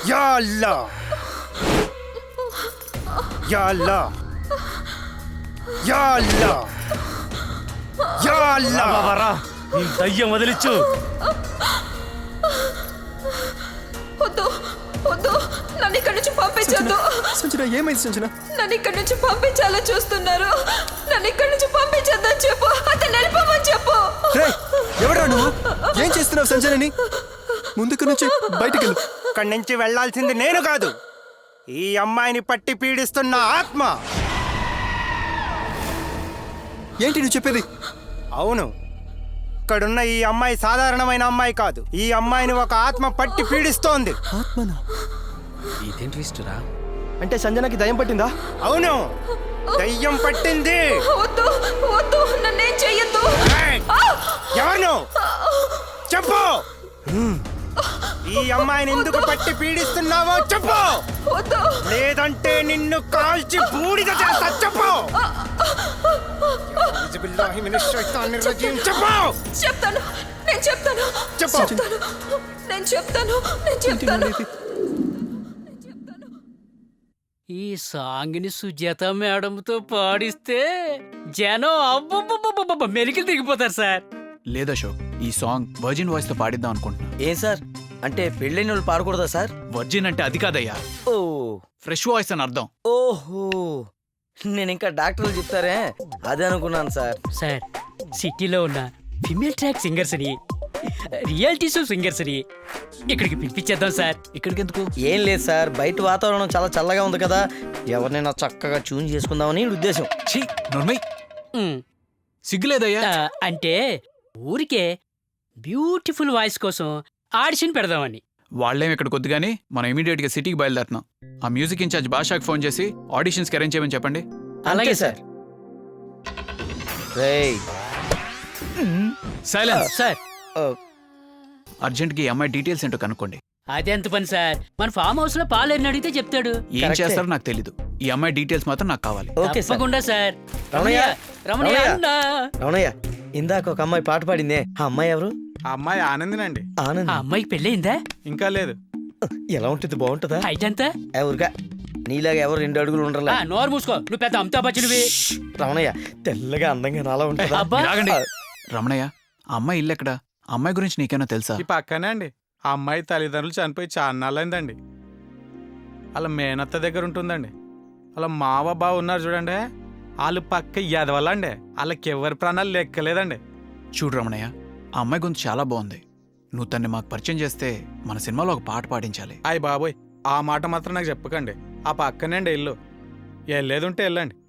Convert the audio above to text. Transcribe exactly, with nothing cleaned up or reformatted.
Yeah Allah యా అల్లా యా అల్లా యా అల్లా బాబారా నీ దయ్యం వదిలిచ్చు. వద్దు వద్దు, నన్ను ఇక్కడి నుంచి పంపించొద్దు. సంజన ఏమైంది సంజన? నన్ను ఇక్కడి నుంచి పంపించాలని చూస్తున్నారు. నన్ను ఇక్కడి నుంచి పంపించొద్దని చెప్పు, అతను వెళ్ళిపోమని చెప్పు. ఎవరా నువ్వు? ఏం చేస్తున్నావు సంజనని? ముందుకు నుంచి బయటికి వెళ్ళు. ఇక్కడి నుంచి వెళ్లాల్సింది నేను కాదు, ఈ అమ్మాయిని పట్టి పీడిస్తున్న ఆత్మ. ఏంటి నువ్వు చెప్పేది? అవును, ఇక్కడున్న ఈ అమ్మాయి సాధారణమైన అమ్మాయి కాదు. ఈ అమ్మాయిని ఒక ఆత్మ పట్టి పీడిస్తోంది. ఆత్మనా? ఇదేం ట్విస్టురా? అంటే సంజనకి దయ్యం పట్టిందా? అవును, దయ్యం పట్టింది. వద్దు వద్దు, నన్నేం చెయ్యొద్దు. ఏయ్! ఎవరు చెప్పు, ఈ అమ్మాయిని ఎందుకు పట్టి పీడిస్తున్నావో చెప్పు, వద్దు. లేదంటే నిన్ను కాల్చి బూడిద చేస్తా. చెప్పు చెప్పు చెప్తాను, నేను చెప్తాను చెప్పు. చెప్తాను నేను చెప్తాను నేను చెప్తాను ఈ సాంగ్ని సుజాత మేడంతో పాడిస్తే జనం అబ్బబ్బబ్బబ్బ మెలికలు తిరిగిపోతారు సార్. లేదా అశోక్, ఈ సాంగ్ వర్జిన్ వాయిస్ తో పాడిద్దాం అనుకుంటున్నా. ఏం సార్, అంటే పెళ్ళైన వాళ్ళు పాడకూడదా సార్? వర్జిన్ అంటే అది కాదయ్యా, ఓ ఫ్రెష్ వాయిస్ అని అర్థం. ఓహో, నేను ఇంకా డాక్టర్లు చెప్తారే అదే అనుకున్నాను సార్. సార్ సిటీలో ఉన్న ఫిమేల్ ట్రాక్ సింగర్స్ ని, రియాలిటీ షో సింగర్స్ ని ఇక్కడికి పిలిపించేద్దాం సార్. ఇక్కడికి ఎందుకు? ఏం లేదు సార్, బయట వాతావరణం చాలా చల్లగా ఉంది కదా, ఎవరినైనా చక్కగా ట్యూన్ చేసుకుందామని ఉద్దేశం. ఛీ నోర్మై, ఉమ్, సిగ్గులేదయ్యా. ఆ, అంటే ఊరికే బ్యూటిఫుల్ వాయిస్ కోసం ఆడిషన్ పెడదామని. వాళ్ళేం ఇక్కడ కొద్దిగాని మనం ఇమీడియట్ గా సిటీకి బయలుదేరుతున్నాం. ఆ మ్యూజిక్ ఇన్ఛార్జ్ బాషాకి ఫోన్ చేసి ఆడిషన్స్ కి అరేంజ్ చేయమని చెప్పండి. అలాగే సార్. రేయ్ సైలెన్స్. సార్ అర్జెంట్ కి ఈ అమ్మాయి డీటెయిల్స్ ఏంటో కనుక్కోండి. అదెంత పని సార్, మన ఫామ్ హౌస్ లో పాలేరిని అడిగితే చెప్తాడు. ఏం కరెక్టే. చేస్తారో నాకు తెలీదు, ఈ అమ్మాయి డీటెయిల్స్ మాత్రం నాకు కావాలి. Okay sir. తప్పకుండా సార్. రమణయ్య, రమణయ్య రమణయ్య. అన్నా. రమణయ్య, ఇందాక ఒక అమ్మాయి పాట పాడిందే, ఆ అమ్మాయి ఎవరు? ఆ అమ్మాయి ఆనందినండి. ఆనంద్. ఆ అమ్మాయికి పెళ్ళయిందా? ఇంకా లేదు. ఎలా ఉంటుంది, బాగుంటుందా? హైట్ ఎంత? ఎవరుగా నీలాగా ఎవరు రెండు అడుగులు ఉండరులే. ఆ, నోరు మూసుకో, నువ్వు పెద్ద అమితాబ్ బచ్చన్వి. రమణయ్య, తెల్లగా అందంగా నాలా ఉంటుందా? అబ్బా. రాగండి. రమణయ్య, ఆ అమ్మాయి ఇల్లు ఎక్కడ? ఆ అమ్మాయి గురించి నీకేమైనా తెలుసా? ఈ పక్కనే అండి. ఆ అమ్మాయి తల్లిదండ్రులు చనిపోయి చాన్నాళ్ళైందండి. వాళ్ళ మేనత్త దగ్గర ఉంటుందండి. వాళ్ళ మావ బావ ఉన్నారు చూడండి, వాళ్ళు పక్క ఎదవల్లండి. వాళ్ళకి ఎవరి ప్రాణాలు లెక్కలేదండి. చూడు రమణయ్య, ఆ అమ్మాయి గురించి చాలా బాగుంది. నువ్వు తన్ని మాకు పరిచయం చేస్తే మన సినిమాలో ఒక పాట పాడించాలి. అయ్య బాబోయ్, ఆ మాట మాత్రం నాకు చెప్పకండి. ఆ పక్కనే అండి ఇల్లు, వెళ్ళేది ఉంటే వెళ్ళండి.